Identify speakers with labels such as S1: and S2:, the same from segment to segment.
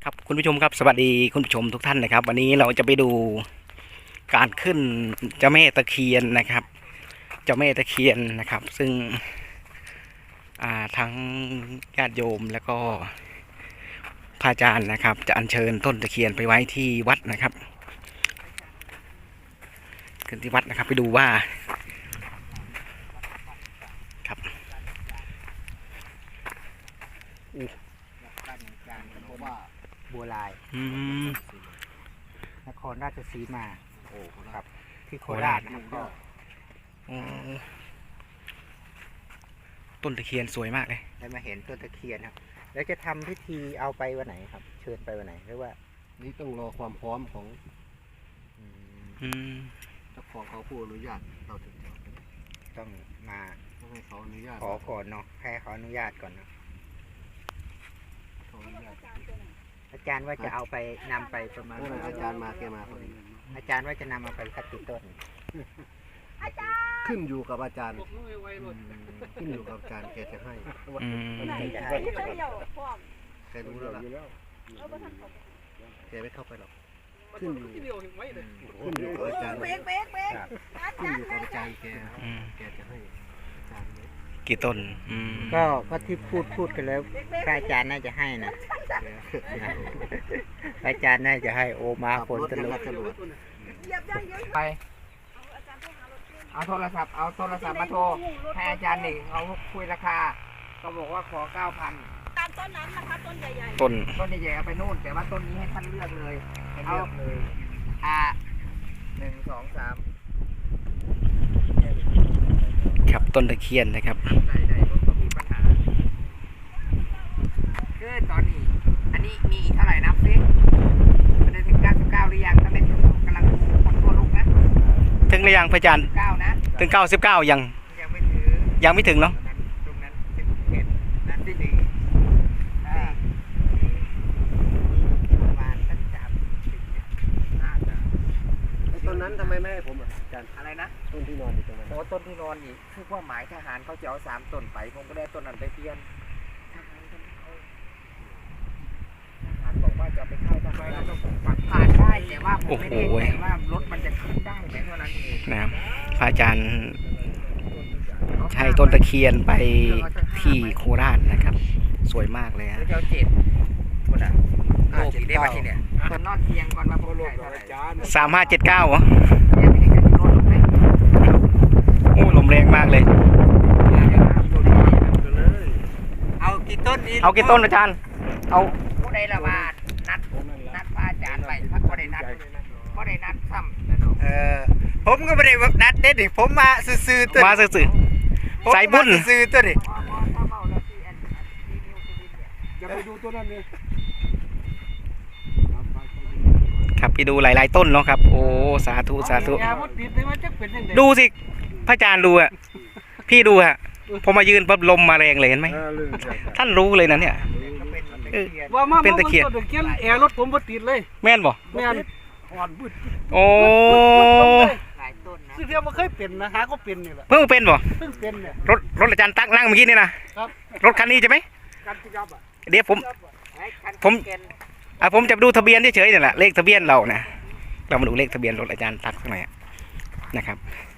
S1: ครับคุณผู้ชมครับสวัสดีคุณผู้ชมทุกท่านนะครับวันนี้เราจะไปดูการขึ้นเจ้าแม่ตะเคียนนะครับ เจ้าแม่ตะเคียนนะครับ ซึ่งทั้งญาติโยมแล้วก็พระอาจารย์นะครับ จะอัญเชิญต้นตะเคียนไปไว้ที่วัดนะครับขึ้นที่วัดนะครับไปดูว่าครับ
S2: เพราะว่าบัวลายนครราชสีมาครับที่โคราชนะครับก็
S1: ต้นตะเคียนสวยมากเลย
S2: ได้มาเห็นต้นตะเคียนครับแล้วจะทำพิธีเอาไปวันไหนครับเชิญไปวันไหนหรือว่า
S3: นี่ต้องรอความพร้อมของเจ้าของเขาผู้อนุญาตเราถึงจะ
S2: ต้องมา
S3: ต้องให้เขาอนุญาต
S2: ขอก่อนเนาะให้เขาอนุญาตก่อนเนาะอาจารย์ว่าจะเอาไปนำไปประมาณ
S3: อาจารย์มาแกมาพอดี
S2: อาจารย์ว่าจะนำมาไปสักกี่ต้น
S3: ขึ้นอยู่กับอาจารย์ขึ้นอยู่กับอาจารย์แกจะให้แกรู้แล้วล่ะแกไม่เข้าไปหรอกขึ้นอยู่กับอาจารย์ขึ้นอยู่กับอาจารย์แกจะให้อาจารย์
S1: กี่ต้น
S2: ก็ที่พูดกันแล้วพระอาจารย์น่าจะให้นะพระอาจารย์น่าจะให้โอมาคนตลุไปเอาโทรศัพท์มาโทรให้อาจารย์หนึ่งเขาคุยราคาก็บอกว่าขอ 9,000
S4: ตามต้นนั้นนะคะต้นใหญ่
S1: ๆต้น
S2: ใหญ่ๆเอาไปนู่นแต่ว่าต้นนี้ให้ท่านเลือกเลยเอา1 2 3
S1: ครับต้นตะเคียนนะครับ
S2: ได้ก็มีปัญหาคือตอนนี้อันนี้มีเท่าไหร่นับซิมันได้ถึง99หรือยังถ้าไม่ถึงกำลังดูคนตัวลูกนะ
S1: ถึงหรือยังพระอาจารย์
S2: 9นะ
S1: ถึง99ยังไม่ถึงเนาะ
S2: ตรงนั้นเป็นเขตนั้นที่ดีประมาณสัก30น่าจะ
S3: ต้นนั้นทำไมไม่ให้ผมอาจารย์
S2: อะไรนะ
S3: ต้นที่นอนอยู่ตรงนั้น
S2: โอ้ต้นที่นอนนี่คือว่าหมายทหารเขาจะเอา3 ต้นไปผมก็ได้ต้นนั้นไปเปลี่ยนทหารบอกว่าจะไปเข้าทำไมเราต้องปักผ่านได้แต่ว่าผมไม่ได้แต่ว่ารถมันจะขึ้นได้แค่เท่านั้นเอง
S1: นะครับพระอาจารย์ใช้ต้นตะเคียนไปที่โคราชนะครับ สวยมากเลยฮะ
S2: เจ้าเจ็ดคนอ่ะโลกได้มาที่เนี่ยต้นนอนเทียงก่อนมาพูดเลย
S1: 3579เหรอโอ้ลมแรงมากเลย
S2: เอากี่ต้นนี้
S1: เอากี่ต้นอาจารย์เอา
S2: ผู้ใดละว่านัดพระอาจารย์ไปผู้ใดนัดซ้ำผมก็ไม่ได้นัดเด็ดดิผมมาซื่อๆตัว
S1: มาซื่อๆสายบุญ
S2: ซื่อตัวดิ
S3: จะไปดูต้นนั้นเลย
S1: ครับไปดูหลายๆต้นเนาะครับโอ้สาธุดูสิพระอาจารย์ดูอ่ะพี่ดูอ่ะพอมายืนปั๊บลมมาแรงเลยเห็นไหมท่านรู้เลยนะเนี่ยเป็นตะเคียน
S3: แอร์รถผมบ่ติดเลย
S1: แม่นบ่
S3: แม่น
S1: โอ้
S3: ซึ่งเดียวมันเคยเป็นนะหาก็เป็นนี่แหละ
S1: เพิ่งเป็นบ่
S3: เนี่ย
S1: รถอาจารย์ตักนั่งเมื่อกี้นี่นะรถคันนี้ใช่ไหมเดี๋ยวผมจะดูทะเบียนเฉยๆนี่แหละเลขทะเบียนเรานะเรามาดูเลขทะเบียนรถอาจารย์ตักสักหน่อยนะครับ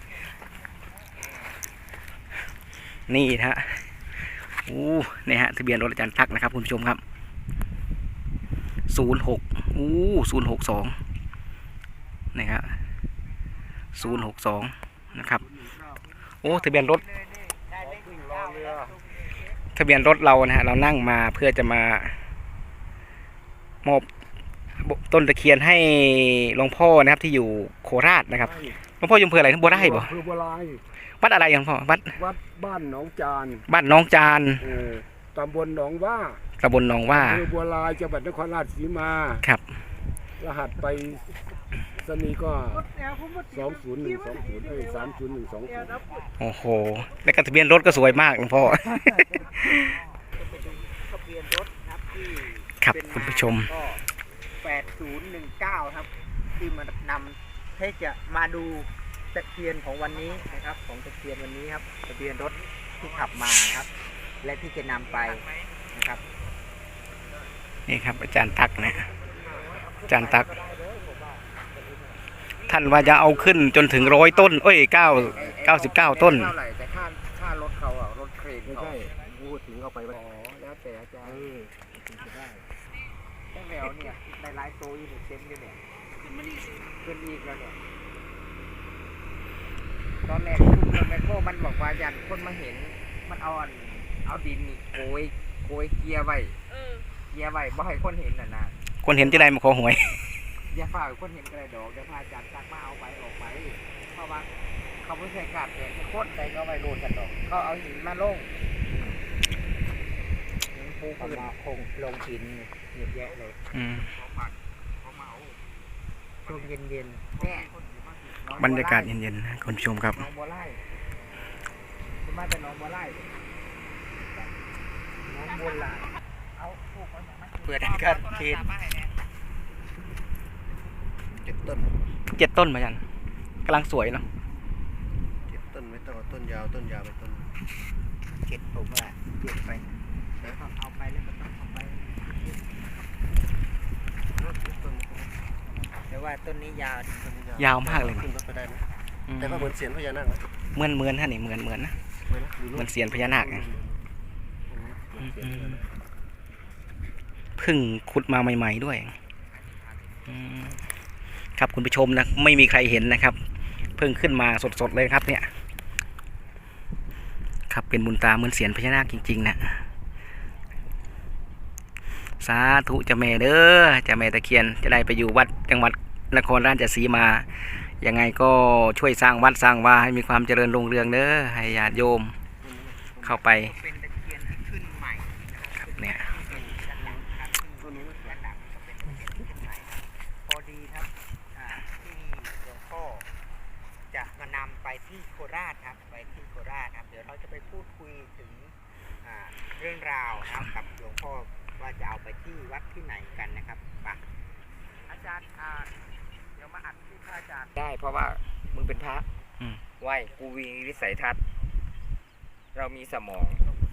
S1: นี่ฮะนี่ฮะทะเบียนรถอาจารย์ตักนะครับคุณผู้ชมครับ062นะครับ062นะครับโอ้ทะเบียนรถเรานะฮะเรานั่งมาเพื่อจะมามอบต้นตะเคียนให้หลวงพ่อนะครับที่อยู่โคราชนะครับหลวงพ่ออยู่อำเภออะไรบัวไร่บ่วัดอะไรหลวงพ่อวัด
S3: บ้านหนองจานตำบลหนองว่าบัวลายจังหวัดนครราชสีมา
S1: ครับ
S3: รหัสไปสนีก็20120302120
S1: โอ้โหแล้วก็ทะเบียนรถก็สวยมากหลวงพ่อครับคุณผู้ชม
S2: 8019ครับที่มานำให้จะมาดูตะเคียนของวันนี้นะครับของตะเคียนวันนี้ครับทะเบียนรถที่ขับมาครับและที่จะนำไปนะครับ
S1: นี่ครับอาจารย์ตักนะอาจารย์ตัก ท่านว่าจะเอาขึ้นจนถึง100 ต้นเอ้ย99 ต้น
S2: เท่าไหร่แต่ค่ารถเขาอ่ะรถเครน
S3: ไม่
S2: เขา
S3: ใช่พูดถึงเอาไป
S2: อ๋อแล้วแต่อาจารย์
S3: ถึงจะได้
S2: ตั้งแต่เนี่ยในไลฟ์โตอยู่เนี่ยเต็มอยู่เนี่ยขึ้นอีกแล้วเนี่ยตอนแรกคุณแมคโครมันบอกว่ายันคนมาเห็นมันเอาดินนี่โกยเกียร์ไว้เกียร์ไว้บ่ให้คนเห็นน่ะนะ
S1: คนเห็นที่ใดมาขอหวย
S2: อย่าฝ่าคนเห็นกระดอกเดี๋ยวพาอาจารย์ตักมาเอาไปออกไปเพราะว่าเขาไม่ใช่กาดเนี่ยโคตรใดก็ไม่รู้กันดอกเขาเอาหินมาลงหินปูขึ้นมาคงลงหินเยอะแยะเลย
S1: อืม
S2: ช่วงเย็นๆเนี่ย
S1: บรรยากาศเย็นๆนะคุณผู้ชมครับ
S2: น้องบัวไล่คุณมาแต่น้องบัวไล่น้องบัวไล่เอาพวกเขาอย่างนั้น
S1: เปิดให้กันเขต
S3: 7 ต้น
S1: 7 ต้นมาจันกำลังสวยเนาะ
S3: 7 ต้นไม่ต้องเอาต้นยาวไปต้น
S2: เก็บผมว่าเก็บไปเอาไปแล้วก็ต้องเอาไปแต่ว่าต้นนี้ยาว
S1: ยาวมากเลย
S3: ขึ้นรถไปได้ไหม
S1: อืม
S3: แต่ว่าเหมือนเสียนพญานาคนะ
S1: เหมือนฮะนี่เหมือนนะ
S3: เหมือนนะดู
S1: เหมือนเสียนพญานาคไง
S3: เหมือนเสียนพญานาค
S1: เพิ่งขุดมาใหม่ๆด้วยอืมครับคุณผู้ชมนะไม่มีใครเห็นนะครับ เพิ่งขึ้นมาสดๆเลยครับเนี่ย ครับเป็นบุญตาเหมือนเสียนพญานาคจริงๆนะสาธุเจ้าแม่เด้อเจ้าแม่ตะเคียนจะได้ไปอยู่วัดจังหวัดนครราชสีมายังไงก็ช่วยสร้างวัดสร้างวาให้มีความเจริญรุ่งเรืองเด้อให้ญาติโยมเข้าไป
S2: เป็นตะเคียนที่ขึ้นใหม่
S1: ครับเนี่ย
S2: พอดีครับที่หลวงพ่อจะมานำไปที่โคราชครับไปที่โคราชครับเดี๋ยวเราจะไปพูดคุยถึงเรื่องราวนะครับกับหลวงพ่อว่าจะเอาไปที่วัดที่ไหนกันนะครับป่ะอาจารย์เดี๋ยวมาอัดที่พระอาจารย์ได้เพราะว่ามึงเป็นพระไหวกูมีวิสัยทัศน์เรามีสมอง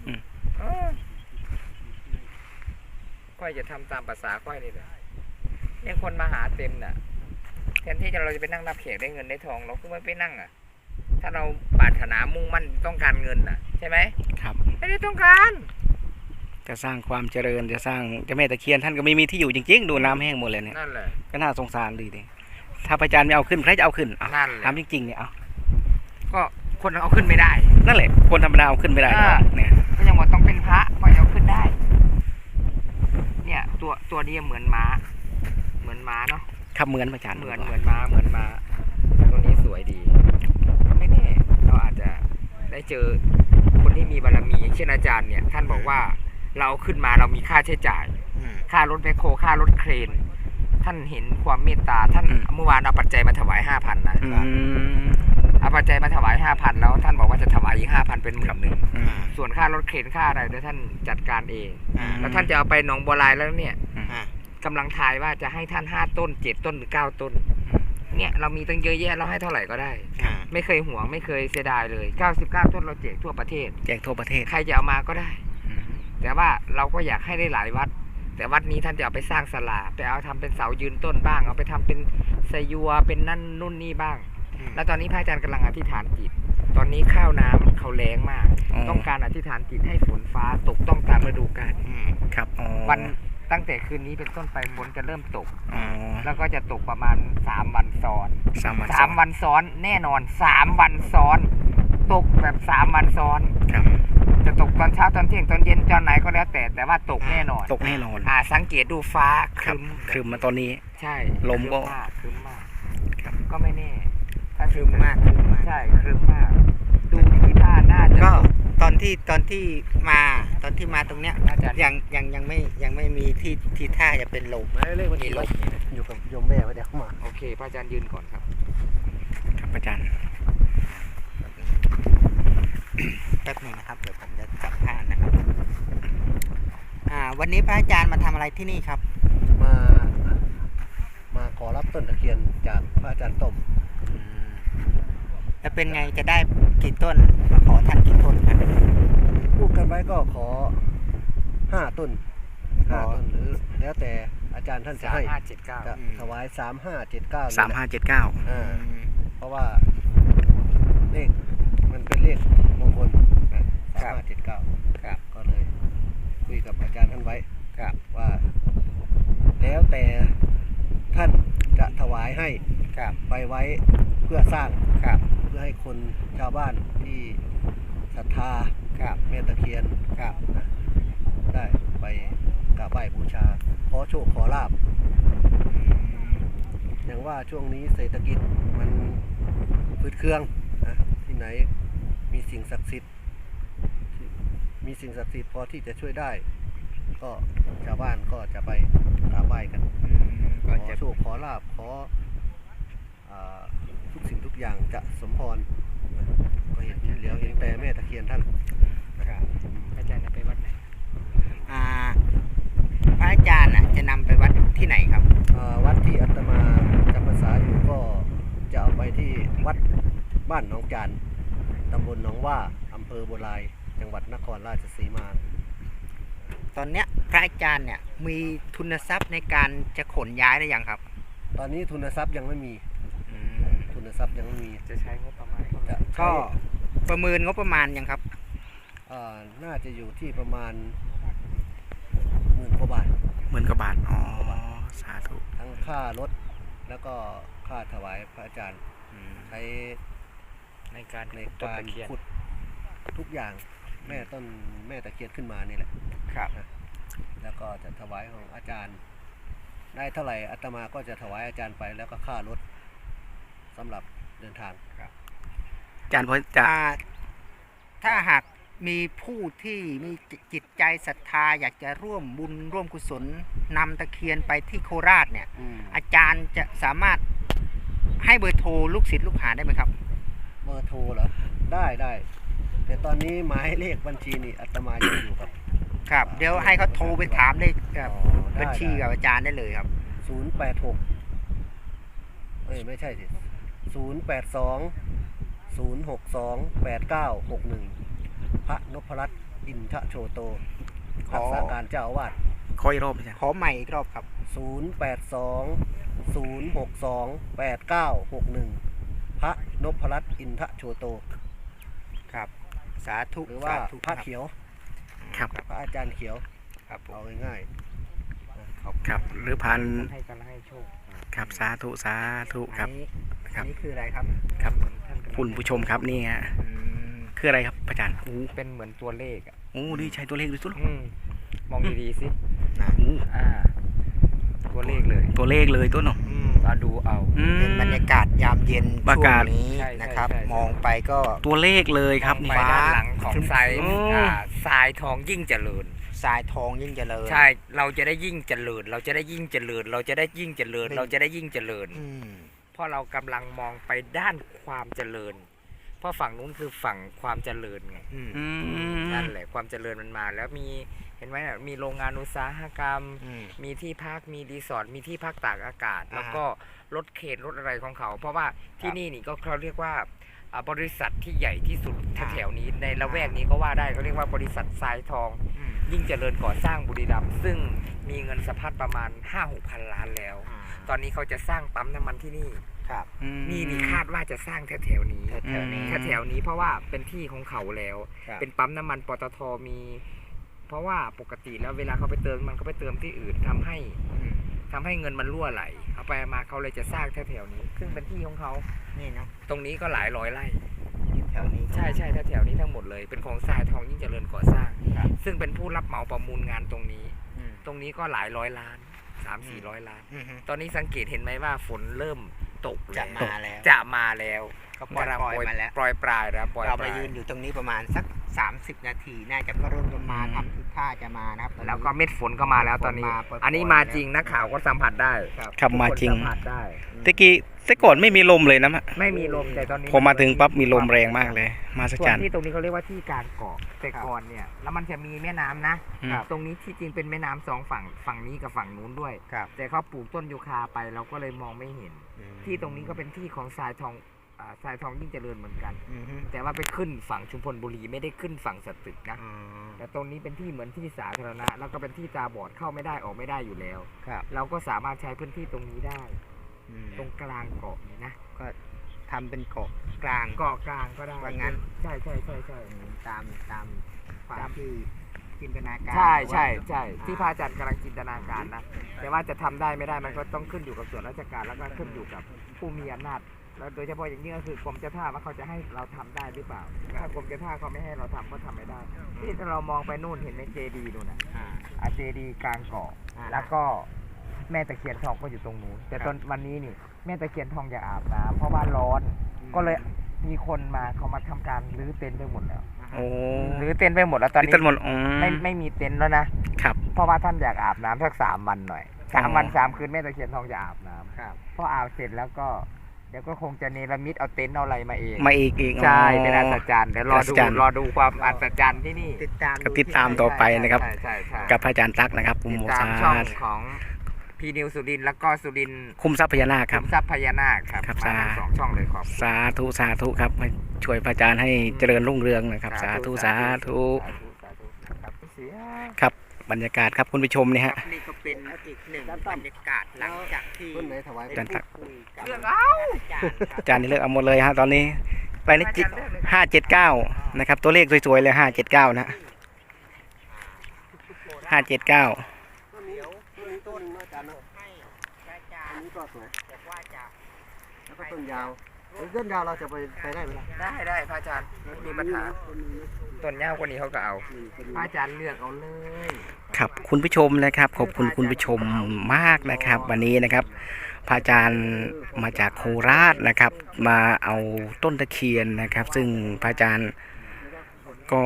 S2: ค่อยจะทำตามภาษาค่อยนี่แหละยังคนมาหาเต็มน่ะแทนที่เราจะไปนั่งนับเขกได้เงินได้ทองเราก็ไม่ไปนั่งอ่ะถ้าเราปรารถนามุ่งมั่นต้องการเงินน่ะใช่ไหม
S1: ครับ
S2: ไม่ได้ต้องการ
S1: จะสร้างความเจริญจะสร้างเจ้าแม่ตะเคียนท่านก็ไม่มีที่อยู่จริงๆดูน้ำแห้งหมดเลยเนี่ย
S2: นั่นแหละ
S1: ก็น่าสงสารดีดิถ้าพระอาจารย์ไม่เอาขึ้นใครจะเอาขึ้นเอา
S2: นั่นแหละ
S1: ถามจริงๆเนี่ยเอา
S2: ก็คนเอาขึ้นไม่ได้
S1: นั่นแหละคนธรรมดาเอาขึ้นไม่ได้หรอกเนี่ย
S2: ก็ยังว่าต้องเป็นพระก็เอาขึ้นได้ เนี่ยตัวนี้เหมือนม้าเนาะ
S1: ครับเหมือนพระอาจารย์
S2: เหมือนม้าตัวนี้สวยดีก็ไม่แน่เราอาจจะได้เจอคนที่มีบารมีเช่นอาจารย์เนี่ยท่านบอกว่าเราขึ้นมาเรามีค่าใช้จ่าย ค่ารถแมคโครค่ารถเครน ท่านเห็นความเมตตาท่านเมื่อวานเอาปัจจัยมาถวาย 5,000 นะเอาปัจจัยมาถวาย 5,000 แล้วท่านบอกว่าจะถวายอีก 5,000 เป็น11,000ส่วนค่ารถเครนค่าอะไรเดี๋ยวท่านจัดการเองแล้วท่านจะเอาไปหนองบัวลายแล้วเนี่ยกำลังทายว่าจะให้ท่าน5 ต้น 7 ต้นหรือ 9 ต้นเนี่ยเรามีตั้งเยอะแยะเราให้เท่าไหร่ก็ได้ไม่เคยหวงไม่เคยเสียดายเลย99 ต้นเราแจกทั่วประเทศ
S1: แจกทั่วประเทศ
S2: ใครจะเอามาก็ได้แต่ว่าเราก็อยากให้ได้หลายวัดแต่วัดนี้ท่านจะเอาไปสร้างศาลาแต่เอาทำเป็นเสายืนต้นบ้างเอาไปทำเป็นสยัวเป็นนั่นนู่นนี่บ้างแล้วตอนนี้พระอาจารย์กำลังอธิษฐานจิตตอนนี้ข้าวน้ำเขาแรงมากต้องการอธิษฐานจิตให้ฝนฟ้าตกต้องตามฤดูกาล
S1: ครับ
S2: วันตั้งแต่คืนนี้เป็นต้นไปฝนจะเริ่มตกแล้วก็จะตกประมาณ3 วันซ้อน3 วันซ้อนแน่นอน3 วันซ้อนตกแบบ3 วันซ้อนจะตกตอนเช้าตอนเที่ยงตอนเย็นตอนไหนก็แล้วแต่ว่าตกแน่นอน
S1: ตกแน่นอน
S2: สังเกตดูฟ้าครึม
S1: มาตอนนี้
S2: ใช่
S1: ลมก็
S2: ครึมมากก็ไม่แน่ถ้าครึมมากใช่ครึมมากดูทีท่าน่าจะก็ตอนที่มาตรงเนี้ยยังไม่มีที่ท่าจะเป็นลม
S3: ไม่เลขวันนี้ลบอยู่กับโยมแม่ไว้เดี๋ยวมา
S2: โอเคพระอาจารย์ยืนก่อนครับ
S1: ครับอาจารย์
S2: แป๊บนึงนะครับเดี๋ยวผมจะจับผ้านะครับวันนี้พระอาจารย์มาทำอะไรที่นี่ครับ
S3: มาขอรับต้นตะเคียนจากพระอาจารย์ต้ม
S2: แล้วเป็นไงจะได้กี่ต้นมาขอท่านกี่ต้นครับ
S3: พูดกันไว้ก็ขอ5 ต้น 5 ต้นหรือแล้วแต่อาจารย์ท่านจะให้
S2: 3579
S3: จะถวาย 3579
S1: 3579
S3: เพราะว่าเลขมันเป็นเลขมงคลนะ3579
S2: ครับ
S3: ก็เลยคุยกับอาจารย์ท่านไว้
S2: ครับ
S3: ว่า แล้วแต่ท่านจะถวายให้
S2: ครับ
S3: ไปไว้เพื่อสร้าง
S2: ครับ
S3: เพื่อให้คนชาวบ้านที่ศรัทธา
S2: ครับ
S3: แม่ตะเคียน
S2: ครับ
S3: นะได้ไปกราบไหว้บูชาขอโชคขอลาบอย่างว่าช่วงนี้เศรษฐกิจมันพืดเครื่องนะที่ไหนมีสิ่งศักดิ์สิทธิ์พอที่จะช่วยได้ ก็ชาวบ้านก็จะไปกราบไหว้กัน
S2: ก็
S3: ขอ
S2: จะ
S3: โชคขอลาบขอทุกสิ่งทุกอย่างจะสมพรนะก็เห็นแต่แม่ตะเคียนท่าน
S2: ครับอาจารย์จะไปวัดไหนพระอาจารย์จะนำไปวัดที่ไหนครับ
S3: วัดที่อาตมาจำพรรษาอยู่ก็จะเอาไปที่วัดบ้านหนองจานตำบลหนองว่าอำเภอบัวลายจังหวัดนครราชสีมา
S2: ตอนเนี้ยพระอาจารย์เนี่ยมีทุนทรัพย์ในการจะขนย้ายได้ยังครับ
S3: ตอนนี้ทุนทรัพย์ยังไม่มีทุนทรัพย์ยังไม่มี
S2: จะใช้งบประมาณ
S3: จะใช้
S2: ก็ประเมินงบประมาณยังครับ
S3: น่าจะอยู่ที่ประมาณ10,000 กว่าบาท
S1: 10,000 กว่าบาท อ๋อ สาธุ
S3: ทั้งค่ารถแล้วก็ค่าถวายพระอาจารย์ใช้
S2: ในการ
S3: ในการขุดทุกอย่างแม่ตะเคียนขึ้นมานี่แหละ
S2: ครับ
S3: แล้วก็จะถวายของอาจารย์ ได้เท่าไหร่อาตมาก็จะถวายอาจารย์ไปแล้วก็ค่ารถสำหรับเดินทาง
S1: อาจารย์พอจะ
S2: ถ้าหากมีผู้ที่มีจิตใจศรัทธาอยากจะร่วมบุญร่วมกุศลนำตะเคียนไปที่โคราชเนี่ย อาจารย์จะสามารถให้เบอร์โทรลูกศิษย์ลูกหาได้ไหมครับ
S3: เบอร์โทรเหรอได้แต่ตอนนี้หมายเลขบัญชีนี่อาตมายังอยู่กับ
S2: ครับ เดี๋ยวให้เขาโทรไปถามได้กับ
S3: ได้
S2: บัญชีกับอาจารย์ได้เลยครับ
S3: 086ไม่ใช่สิ082 062 8961 พระนพรัตน์อินทโชโต
S2: ข
S3: รั
S2: อ
S3: กษาการเจ้าอาวาส
S1: ขออีกรอบอาจารย์
S2: ขอใหม่อีกรอบครับ
S3: 082 062 8961 พระนพรัตน์อินทโชโต
S2: ครับ สาธุ
S3: หรือว่า
S2: สธุ
S3: พระเขียว
S1: ครับ
S3: พระอาจารย์เขียว
S2: ครับผม
S3: เอาง่าย
S1: ครับ หรือพัน
S2: ให้กันให้โชค
S1: ครับ สาธุ สาธุ ครับ
S2: อันนี้คืออะไรครับ
S1: ครับ
S2: ท่านกำลัง
S1: คุณผู้ชมครับนี่ฮะ
S2: อืม
S1: คืออะไรครับอาจารย์โอ้
S2: เป็นเหมือนตัวเลขอ่ะ
S1: โหนี่ใช้ตัวเลขดูสุด
S2: มองดีๆสินะ
S1: โอ้
S2: ตัวเลขเลย
S1: ตัวเลขเลยตัวเนาะ
S2: มาดูเอา เป็นบรรยากาศยามเย็น
S1: บรรยากาศ
S2: ช่วงนี้นะครับ มองไปก็
S1: ตัวเลขเลยครับนี่
S2: ไปด้านหลังของทราย
S1: อืม
S2: ทรายทองยิ่งเจริญทรายทองยิ่งเจริญ ใช่ เราจะได้ยิ่งเจริญ เราจะได้ยิ่งเจริญ เราจะได้ยิ่งเจริญ เราจะได้ยิ่งเจริญ เพราะเรากำลังมองไปด้านความเจริญ เพราะฝั่งนู้นคือฝั่งความเจริญไง
S1: อืม
S2: นั่นแหละความเจริญมันมาแล้วมีเห็นไหมน่ะมีโรงงานอุตสาหกรรม มีที่พักมีรีสอร์ทมีที่พักตากอากาศ แล้วก็รถเข็นรถอะไรของเขา เพราะว่าที่นี่นี่ก็เขาเรียกว่าบริษัทที่ใหญ่ที่สุดแถวๆนี้ในละแวกนี้ก็ว่าได้เขาเรียกว่าบริษัททรายทอง ยิ่งเจริญก่อสร้างบุรีรัมย์ซึ่งมีเงินสะพัดประมาณ 5-6 พันล้านแล้ว ตอนนี้เขาจะสร้างปั๊มน้ำมันที่นี่นี่คาดว่าจะสร้างแถวๆนี้แถวนี้เพราะว่าเป็นที่ของเขาแล้ว เป็นปั๊มน้ำมันปตทมี เพราะว่าปกติแล้วเวลาเขาไปเติมมันเขาไปเติมที่อื่นทำให้เงินมันรั่วไหลเอาไปมาเขาเลยจะสร้างแถวๆนี้ ซึ่งเป็นที่ของเขานี่นะตรงนี้ก็หลายร้อยไร่แถวนี้ใช่แถวนี้ทั้งหมดเลยเป็นของทรายทองยิ่งเจริญก่อสร้างซึ่งเป็นผู้รับเหมาประมูลงานตรงนี้ก็หลายร้อยล้าน 300-400 ล้านตอนนี้สังเกตเห็นไหมว่าฝนเริ่มตกจะมาแล้วก็ปล่อยมาแล้วปล่อยปลายแล้วเราไปยืนอยู่ตรงนี้ประมาณสัก30 นาทีน่าจะก็เริ่มจะมาทำทิศท่าจะมานะครับแล้วก็เม็ดฝนก็มาแล้วตอนนี้อันนี้มาจริงนักข่าวก็สัมผัสได้
S1: ครับมาจริง
S2: สัมผัสได้
S1: แต่ก่อนไม่มีลมเลยนะ
S2: ไม่มีลมแต่ตอนนี้
S1: พอมาถึงปั๊บมีลมแรงมากเลย มาสัจ
S2: ส่ว
S1: จั
S2: น
S1: น
S2: ที่ตรงนี้เขาเรียกว่าที่การเกาะแต่ก่อนเนี่ยแล้วมันจะมีแม่น้ำนะ ตรงนี้ที่จริงเป็นแม่น้ำ2 ฝั่งนี้กับฝั่งนู้นด้วยแต่เขาปลูกต้นยูคาไปเราก็เลยมองไม่เห็นที่ตรงนี้ก็เป็นที่ของทรายทองทรายทองยิ่งเจริญเหมือนกัน
S1: อือฮึ
S2: แต่ว่าไปขึ้นฝั่งชุมพลบุรีไม่ได้ขึ้นฝั่งสตึกนะ
S1: อ๋อ
S2: แต่ตรงนี้เป็นที่เหมือนที่สาธารณะแล้วก็เป็นที่ตาบอดเข้าไม่ได้ออกไม่ได้อยู่แล้ว
S1: ครับ
S2: เราก็สามารถใช้พื้นที่ตรงนี้ได้
S1: อืม
S2: ตรงกลางเกาะนี่นะ
S1: ก็ทำเป็นเกาะกลาง
S2: เกาะกลางก็ได้
S1: ว่างั้น
S2: ใช่ใช่ใช่ใช่
S1: ตามความที่จินตนาการ
S2: ใช่ใช่ใช่ที่พระอาจารย์กำลังจินตนาการนะแต่ว่าจะทำได้ไม่ได้มันก็ต้องขึ้นอยู่กับส่วนราชการแล้วก็ขึ้นอยู่กับผู้มีอำนาจแล้วโดยเฉพาะอย่างนี้ก็คือกรมเจ้าท่าว่าเขาจะให้เราทำได้หรือเปล่าถ้ากรมเจ้าท่าเขาไม่ให้เราทำก็ทำไม่ได้ที่ถ้าเรามองไปนู่นเห็นในเจดีนู่นน่ะ เจดีกลางเกาะแล้วก็แม่ตะเคียนทองก็อยู่ตรงนู้นแต่ตอนวันนี้นี่แม่ตะเคียนทองอยากอาบน้ำเพราะว่าร้อน ก็เลยมีคนมาเขามาทำการรื้อเต็นท์ไปหมดแล้ว
S1: โอ้
S2: รื้อเต็นท์ไปหมดแล้วตอน
S1: นี่
S2: นี้
S1: ต้นหมดอ๋อ
S2: ไม่มีเต็นท์แล้วนะครับ เพราะว่าท่านอยากอาบน้ำสัก3 วันหน่อย3 วัน3 คืนแม่ตะเคียนทองจะอาบน้ำ
S1: ครับ
S2: พออาบเสร็จแล้วก็เดี๋ยวก็คงจะเนรมิตเอาเต็นท์เอาอะไรมาเอง
S1: มาอีก
S2: ใช่เป็นอัศจรรย์เดี๋ยวรอ
S1: อัศจรรย์
S2: ดูความอัศจรรย์ที่นี่
S1: ก็ติดตามต่อไปนะครับ
S2: ใช่ใช่ใช่
S1: กับพระอาจารย์ตั๊กนะครับ
S2: ติด
S1: โม
S2: ตาม
S1: ซา
S2: ช่องของพีนิวสุรินทร์แล้วก็สุรินทร์
S1: คุ้มทรัพย์พญานาคครับ
S2: ทรัพย์พญานาคครับ
S1: ครับ
S2: มาทั้ง
S1: สา
S2: 2 ช่องเลยครับ
S1: สาธุสาธุครับให้ช่วยพระอาจารย์ให้เจริญรุ่งเรืองนะครับ สาธุสาธุ
S2: ครับเสีย
S1: ครับบรรยากาศครับคุณผู้ชมเนี่ยฮะ
S2: นี่ก็เป็นอีกหนึ่งบรรยากาศหลังจากที่
S3: ต้นไหนถวาย
S1: อาจารย์ตั๊ก
S2: เรื่องเอา
S1: อาจารย์นี่เลือกเอาหมดเลยฮะตอนนี้ไปนี่579นะครับ ตัวเลขสวยๆเลย579นะ579
S3: ต้นนี้ต้นนึงอาจารย์เนาะ
S2: ให้พระอาจา
S3: อั
S2: ร
S3: น
S2: ย์
S3: นี้ก็สวย
S2: บอกว่าจะ
S3: แล้วก็ต้นยาวต้นยาวเราจะไปได้ไหมล่ะ
S2: ได้พระอาจารย์มีปัญหาต้นยาวกว่านี้เขาก็เอาพระอาจารย์เลือกเอาเลย
S1: ครับคุณผู้ชมนะครับขอบคุณคุณผู้ชมมากนะครับ วันนี้นะครับพระอาจารย์มาจากโคราชนะครับ มาเอาต้นตะเคียนนะครับ ซึ่งพระอาจารย์ก็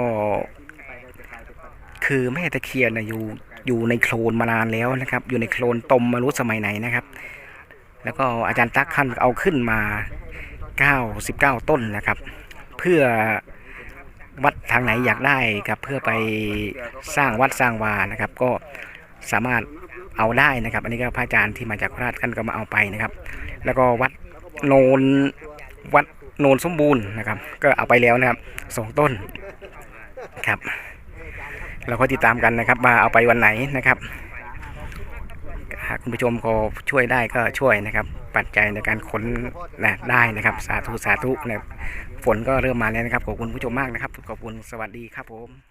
S1: คือแม่ตะเคียนนะอยู่ในโคลนมานานแล้วนะครับ อยู่ในโคลนตมมารู้สมัยไหนนะครับ แล้วก็อาจารย์ตั๊กขั้นเอาขึ้นมา99 ต้นนะครับ เพื่อวัดทางไหนอยากได้ครับเพื่อไปสร้างวัดสร้างวานะครับ ก็สามารถเอาได้นะครับ อันนี้ก็พระอาจารย์ที่มาจากโคราชท่านก็มาเอาไปนะครับ แล้วก็วัดโนนสมบูรณ์นะครับ ก็เอาไปแล้วนะครับ2 ต้นครับเราก็ติดตามกันนะครับว่าเอาไปวันไหนนะครับหากคุณผู้ชมก็ช่วยได้ก็ช่วยนะครับ ปัจจัยในการขนนะได้นะครับสาธุสาธุนะครับฝนก็เริ่มมาแล้วนะครับขอบคุณผู้ชมมากนะครับขอบคุณสวัสดีครับผม